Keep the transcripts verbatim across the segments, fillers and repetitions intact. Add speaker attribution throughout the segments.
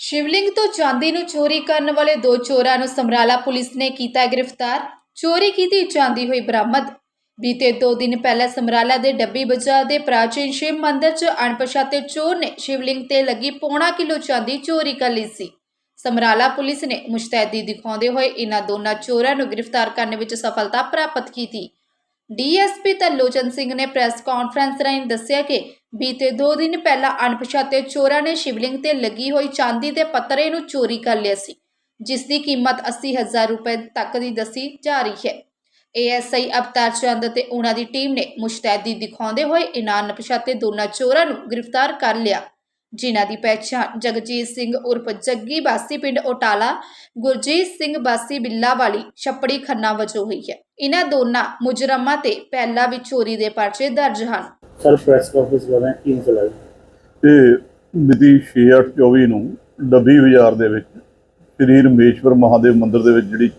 Speaker 1: शिवलिंग तो चांदी नूं चोरी करने वाले दो चोरां नूं समराला पुलिस ने कीता गिरफ्तार। चोरी की चांदी हुई बरामद। बीते दो दिन पहले समराला दे डब्बी बाजार दे प्राचीन शिव मंदिर च अणपछाते चोर ने शिवलिंग ते लगी पौना किलो चांदी चोरी कर ली सी। समराला पुलिस ने मुस्तैदी दिखाते हुए इन्हां दोनों चोरां नूं गिरफ्तार करने विच सफलता प्राप्त की थी। D S P Tarlochan Singh ने प्रेस कॉन्फ्रेंस राਹੀਂ दस्सिया कि बीते दो दिन पहला अणपछाते चोरां ने शिवलिंग ते लगी हुई चांदी के पत्तरे नूं चोरी कर लिया सी, जिसकी कीमत अस्सी हज़ार रुपए तक की दसी जा रही है। ए एस आई अवतार चंद ते उन्हां दी टीम ने मुस्तैदी दिखाते हुए इन्हां अणपछाते दोनों चोरां नूं गिरफ्तार कर लिया, जिन्हां दी पहचान जगजीत सिंह उर्फ जग्गी बासी पिंड ओटाला, गुरजीत सिंह बासी बिल्लावाली छप्पड़ी खन्ना वजों हुई है। इन्हां दोनों मुजरमां ते पहला भी चोरी दे पर्चे दर्ज हैं।
Speaker 2: सर प्रेस कॉन्फ्रेंस कर रहे हैं की मसला है?
Speaker 3: ਇਹ ਮਿਤੀ ਛੇ ਅੱਠ ਚੌਵੀ ਨੂੰ ਡੱਬੀ ਬਾਜ਼ਾਰ ਦੇ ਵਿੱਚ ਸ੍ਰੀ ਰਮੇਸ਼ਵਰ ਮਹਾਦੇਵ ਮੰਦਿਰ ਦੇ ਵਿੱਚ ਜਿਹੜੀ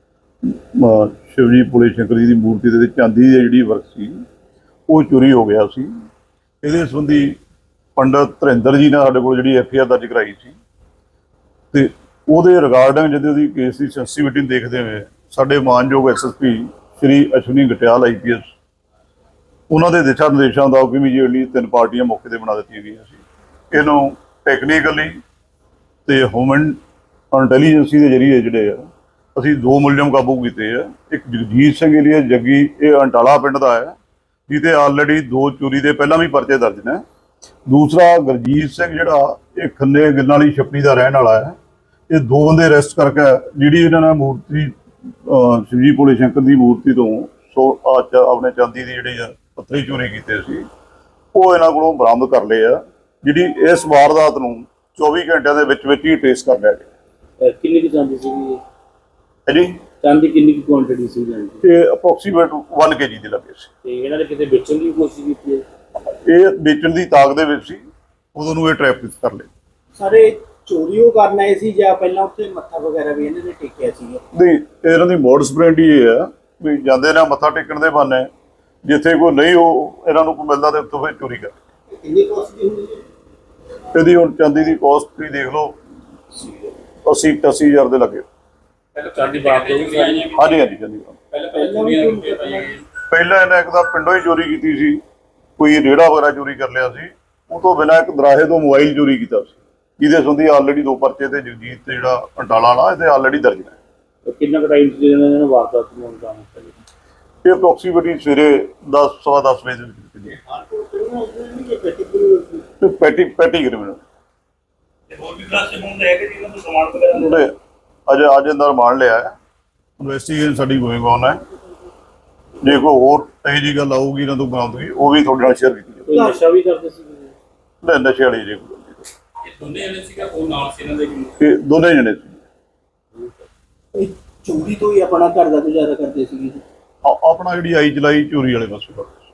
Speaker 3: ਅਹ ਸ਼ਿਵਜੀ ਭੋਲੇ ਸ਼ੰਕਰ ਜੀ ਦੀ ਮੂਰਤੀ ਦੇ ਵਿੱਚ ਚਾਂਦੀ ਦੀ ਜਿਹੜੀ ਵਰਕ ਸੀ ਉਹ ਚੋਰੀ ਹੋ ਗਿਆ ਸੀ। ਇਹਦੇ ਸੰਬੰਧੀ ਪੰਡਤ ਧਰਿੰਦਰ ਜੀ ਨੇ ਸਾਡੇ ਕੋਲ ਜਿਹੜੀ ਐਫ ਆਈ ਆਰ ਦਰਜ ਕਰਾਈ ਸੀ ਤੇ ਉਹਦੇ ਰਿਗਾਰਡਿੰਗ ਜਦੋਂ ਉਹਦੀ ਕੇਸ ਦੀ ਸੈਂਸਿਟੀਵਿਟੀ ਨੂੰ ਦੇਖਦੇ ਹੋਏ ਸਾਡੇ ਮਾਨਯੋਗ S S P Shri Ashwani Gatyal I P S ਉਹਨਾਂ ਦੇ ਦਿਸ਼ਾ ਨਿਰਦੇਸ਼ਾਂ ਦਾ ਇਮੀਡੀਏਟਲੀ ਤਿੰਨ ਪਾਰਟੀਆਂ ਮੌਕੇ ਤੇ ਬਣਾ ਦਿੱਤੀਆਂ ਗਈਆਂ ਸੀ। ਇਹਨੂੰ ਟੈਕਨੀਕਲੀ ਤੇ ਹਿਊਮਨ ਇੰਟੈਲੀਜੈਂਸੀ ਦੇ ਜ਼ਰੀਏ ਜਿਹੜੇ ਆ ਅਸੀਂ ਦੋ ਮੁਲਜ਼ਮ ਕਾਬੂ ਕੀਤੇ ਆ। ਇੱਕ ਜਗਜੀਤ ਸਿੰਘ ਏਲੀਆ ਜੱਗੀ, ਇਹ ਅੰਟਾਲਾ ਪਿੰਡ ਦਾ ਹੈ ਜਿਹਦੇ ਆਲਰੇਡੀ ਦੋ ਚੋਰੀ ਦੇ ਪਹਿਲਾਂ ਵੀ ਪਰਚੇ ਦਰਜ ਨੇ। ਦੂਸਰਾ ਗੁਰਜੀਤ ਸਿੰਘ ਜਿਹੜਾ ਇਹ ਖੰਨੇ ਗਿੱਲਾਂ ਵਾਲੀ ਛੱਪੜੀ ਦਾ ਰਹਿਣ ਵਾਲਾ ਹੈ। ਇਹ ਦੋ ਬੰਦੇ ਅਰੈਸਟ ਕਰਕੇ ਜਿਹੜੀ ਇਹਨਾਂ ਨੇ ਮੂਰਤੀ ਸ਼ਿਵਜੀ ਭੋਲੇ ਸ਼ੰਕਰ ਦੀ ਮੂਰਤੀ ਤੋਂ ਸੋ ਆਪਣੇ ਚਾਂਦੀ ਦੀ ਜਿਹੜੀ ਆ ਪੱਤਰੀ ਚੋਰੀ ਕੀਤੇ ਸੀ ਉਹ ਇਹਨਾਂ ਕੋਲੋਂ ਬਰਾਮਦ ਕਰ ਲਏ ਆ, ਜਿਹੜੀ ਇਸ ਵਾਰਦਾਤ ਨੂੰ ਚੌਵੀ ਘੰਟਿਆਂ ਦੇ ਵਿੱਚ ਵਿੱਚ ਹੀ ਟ੍ਰੇਸ ਕਰ ਲਿਆ ਗਿਆ।
Speaker 2: ਕਿੰਨੀ ਦੀ ਚਾਂਦੀ ਸੀਗੀ
Speaker 3: ਹੈ ਜੀ?
Speaker 2: ਚਾਂਦੀ ਕਿੰਨੀ ਕੀ ਕੁਆਂਟੀਟੀ ਸੀ ਜਾਂਦੀ?
Speaker 3: ਇਹ ਅਪਰੋਕਸੀਮੇਟ ਇੱਕ ਕੇ ਜੀ ਦੇ ਲੱਗੇ ਸੀ।
Speaker 2: ਤੇ ਇਹਨਾਂ ਨੇ ਕਿਤੇ ਵੇਚਣ ਦੀ ਕੋਸ਼ਿਸ਼ ਕੀਤੀ ਹੈ?
Speaker 3: ਇਹ ਵੇਚਣ ਦੀ ਤਾਕ ਦੇ ਵਿੱਚ ਸੀ, ਉਦੋਂ ਨੂੰ ਇਹ ਟ੍ਰੈਪ ਕਰ ਲਏ।
Speaker 4: ਸਾਰੇ ਚੋਰੀ ਉਹ ਕਰਨ ਆਏ ਸੀ ਜਾਂ ਪਹਿਲਾਂ ਉੱਥੇ ਮੱਥਾ ਵਗੈਰਾ ਵੀ ਇਹਨਾਂ ਨੇ ਟੇਕਿਆ ਸੀ?
Speaker 3: ਨਹੀਂ, ਇਹਨਾਂ ਦੀ ਮੋਡਸ ਪ੍ਰੈਂਡੀ ਇਹ ਆ ਵੀ ਜਾਂਦੇ ਨੇ ਮੱਥਾ ਟੇਕਣ ਦੇ ਬਹਾਨੇ, ਜਿੱਥੇ ਕੋਈ ਨਹੀਂ ਉਹ ਇਹਨਾਂ ਨੂੰ ਕੋਈ ਮਿਲਦਾ ਤੇ ਉੱਥੋਂ ਫਿਰ ਚੋਰੀ ਕਰ।
Speaker 4: ਕਿੰਨੀ ਕੋਸਟ ਹੁੰਦੀ ਹੈ
Speaker 3: ਇਹਦੀ ਹੁਣ ਚਾਂਦੀ ਦੀ ਕੋਸਟ ਤੁਸੀਂ ਦੇਖ ਲਓ ਅੱਸੀ ਅਠਾਸੀ ਹਜ਼ਾਰ ਦੇ ਲੱਗੇ।
Speaker 2: ਚਾਂਦੀ ਬਾਤ ਹੋਈ ਸੀ?
Speaker 3: ਹਾਂਜੀ ਹਾਂਜੀ ਚਾਂਦੀ ਪਹਿਲਾਂ ਇਹਨੇ ਇੱਕ ਤਾਂ ਪਿੰਡੋਂ ਹੀ ਚੋਰੀ ਕੀਤੀ ਸੀ, ਕੋਈ ਰੇੜਾ ਵਗੈਰਾ ਚੋਰੀ ਕਰ ਲਿਆ ਸੀ। ਉਹ ਤੋਂ ਬਿਨਾਂ ਇੱਕ ਦਰਾਹੇ ਤੋਂ ਮੋਬਾਈਲ ਚੋਰੀ ਕੀਤਾ ਸੀ, ਜਿਹਦੇ ਸੰਬੰਧੀ ਆਲਰੇਡੀ ਦੋ ਪਰਚੇ ਤੇ ਜਗਜੀਤ ਤੇ ਜਿਹੜਾ ਅੰਟਾਲਾ ਵਾਲਾ ਇਹਦੇ ਆਲਰੇਡੀ ਦਰਜ ਨੇ।
Speaker 2: ਕਿੰਨਾ ਕੁ ਟਾਈਮ ਸੀ ਇਹਨਾਂ ਨੇ ਵਾਰਦਾਤ ਨੂੰ ਅੰਜਾਮ ਦਿੱਤਾ?
Speaker 3: ਇਹ ਅਪਰੋਕਸੀਮੇਟਲੀ ਸਵੇਰੇ ਦਸ ਸਵਾ ਦਸ ਵਜੇ ਦੇ ਵਿੱਚ ਪੈਟੀ ਪੈਟੀ ਕ੍ਰਿਮੀਨਲ ਅਜੇ ਅੱਜ ਅੰਦਰ ਮਾਰ ਲਿਆ ਹੈ। ਇਨਵੈਸਟੀਗੇਸ਼ਨ ਸਾਡੀ ਗੋਇੰਗ ਔਨ ਹੈ। ਜੇ ਕੋਈ ਹੋਰ ਇਹੋ ਜਿਹੀ ਗੱਲ ਆਊਗੀ ਇਹਨਾਂ ਤੋਂ ਬਰਾਮਦਗੀ ਉਹ ਵੀ ਤੁਹਾਡੇ ਨਾਲ ਸ਼ੇਅਰ ਕੀਤੀ ਜਾਊਗੀ।
Speaker 2: ਕੋਈ ਨਸ਼ਾ ਵੀ ਕਰਦੇ ਸੀ?
Speaker 3: ਨਹੀਂ, ਨਸ਼ੇ ਵਾਲੀ ਜੇ ਕੋਈ
Speaker 2: ਦੋਨੇ ਜਣੇ ਸੀਗਾ ਉਹ ਨਾਲ ਸੀ ਇਹਨਾਂ ਦੇ?
Speaker 3: ਇਹ ਦੋਨੇ ਜਣੇ ਸੀ।
Speaker 4: ਚੋਰੀ ਤੋਂ ਹੀ ਆਪਣਾ ਘਰ ਦਾ ਗੁਜ਼ਾਰਾ ਕਰਦੇ ਸੀਗੇ?
Speaker 3: ਆਪਣਾ ਜਿਹੜੀ ਆਈ ਚਲਾਈ ਚੋਰੀ ਵਾਲੇ ਪਾਸੇ।